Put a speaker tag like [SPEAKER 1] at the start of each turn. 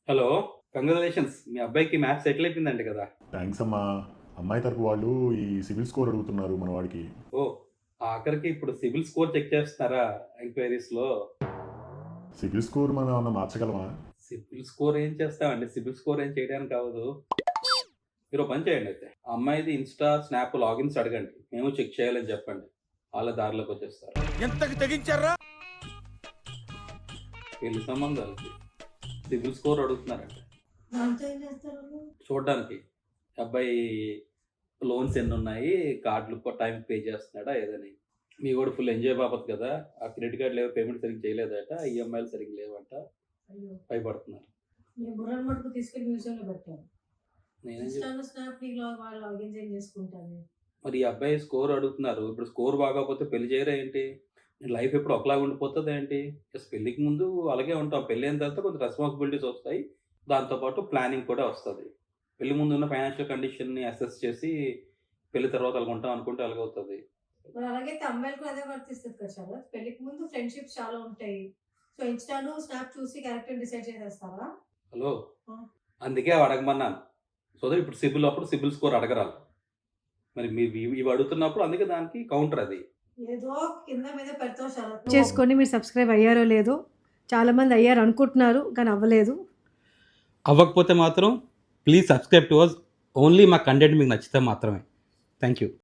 [SPEAKER 1] Hello! Congratulations. మీ అబ్బాయికి maths settle అయిపోయిందంట కదా!
[SPEAKER 2] థ్యాంక్స్ అమ్మా. అమ్మాయి తరపు వాళ్ళు ఈ సిబిల్ స్కోర్ అడుగుతున్నారు మన వాడికి.
[SPEAKER 1] ఓహ్! ఆఖరికి ఇప్పుడు సిబిల్ స్కోర్ చెక్ చేస్తున్నారా ఎంక్వైరీస్‌లో?
[SPEAKER 2] సిబిల్ స్కోర్ మనం ఏమన్నా మార్చగలమా?
[SPEAKER 1] సిబిల్ స్కోర్ ఏం చేస్తామండి? సిబిల్ స్కోర్ ఏం చేయడానికి అవ్వదు. మీరు ఓ పని చేయండి అయితే. ఆ అమ్మాయిది ఇన్‌స్టా, స్నాప్ లాగిన్స్ అడగండి. మేము చెక్ చేయాలని చెప్పండి. ఆళ్ళే దారిలోకొచ్చేస్తారు.
[SPEAKER 3] ఎంతకి తెగించారా?
[SPEAKER 1] పెళ్లి సంబంధాలకి సిబిల్ స్కోర్ అడుగుతున్నారంట.
[SPEAKER 4] దాంతో ఏం చేస్తారు వాళ్ళు?
[SPEAKER 1] చూడ్డానికి. అబ్బాయి లోన్స్ ఎన్నున్నాయి, కార్డ్‌లు టైంకి పే చేస్తున్నాడా ఏదని. మీ వోడు ఫుల్ ఎంజాయ్ బాపత్ కదా! ఆ క్రెడిట్ కార్డ్‌లేవో పేమెంట్ సరిగ్గా చేయలేదట. ఈఎంఐలు సరిగ్గా లేవంట.
[SPEAKER 4] అయ్యో!
[SPEAKER 1] భయపడుతున్నారు.
[SPEAKER 4] నీ బుర్రని మటుకు తీసుకెళ్ళి మ్యూజియంలో పెట్టాను.
[SPEAKER 1] నేనేం
[SPEAKER 4] ఇన్‌స్టాలో, స్నాప్‌లో వాళ్ళు లాగిన్ చేంజ్ చేసుకుంటాను.
[SPEAKER 1] మరి ఈ అబ్బాయి స్కోర్ అడుగుతున్నారు. ఇప్పుడు స్కోర్ బాగోకపోతే పెళ్లి చేయరా ఏంటి? లైఫ్ ఎప్పుడు ఒకలాగా ఉండిపోతదా ఏంటి? జస్ట్ పెళ్ళికి ముందు అలాగే ఉంటాం. పెళ్ళైన తర్వాత కొంచెం రెస్పాన్సిబిలిటీస్ వస్తాయి. దాంతో పాటు ప్లానింగ్ కూడా వస్తది. పెళ్లి ముందు ఉన్న ఫైనాన్షియల్ కండిషన్‌ని అసెస్ చేసి పెళ్లి తర్వాత అలాగ ఉంటాం అనుకుంటే అలాగవుతది.
[SPEAKER 4] మరి అలాగైతే అమ్మాయిలకు అదే వర్తిస్తది కదా శరత్. పెళ్ళికి ముందు ఫ్రెండ్‌షిప్స్ చాలా ఉంటాయి. సో, ఇన్‌స్టాలో, స్నాప్ చూసి క్యారెక్టర్ డిసైడ్ చేసేస్తారా?
[SPEAKER 1] హలో!
[SPEAKER 4] ఆ!
[SPEAKER 1] అందుకే అవి అడగమన్నాను. సో దట్ ఇప్పుడు సిబిల్ స్కోర్ అడగరాళ్ళు. మరి మీరు ఇవి అడుగుతున్నప్పుడు అందుకే దానికి కౌంటర్ అది.
[SPEAKER 4] ఏదో కింద మీద పెడతావు శరత్.
[SPEAKER 5] చేసుకొని మీరు సబ్స్క్రైబ్ అయ్యారో లేదో చాలామంది అయ్యారు అనుకుంటున్నారు కానీ అవ్వలేదు.
[SPEAKER 6] అవ్వకపోతే మాత్రం please subscribe to us. Only మా కంటెంట్ మీకు నచ్చితే మాత్రమే. Thank you.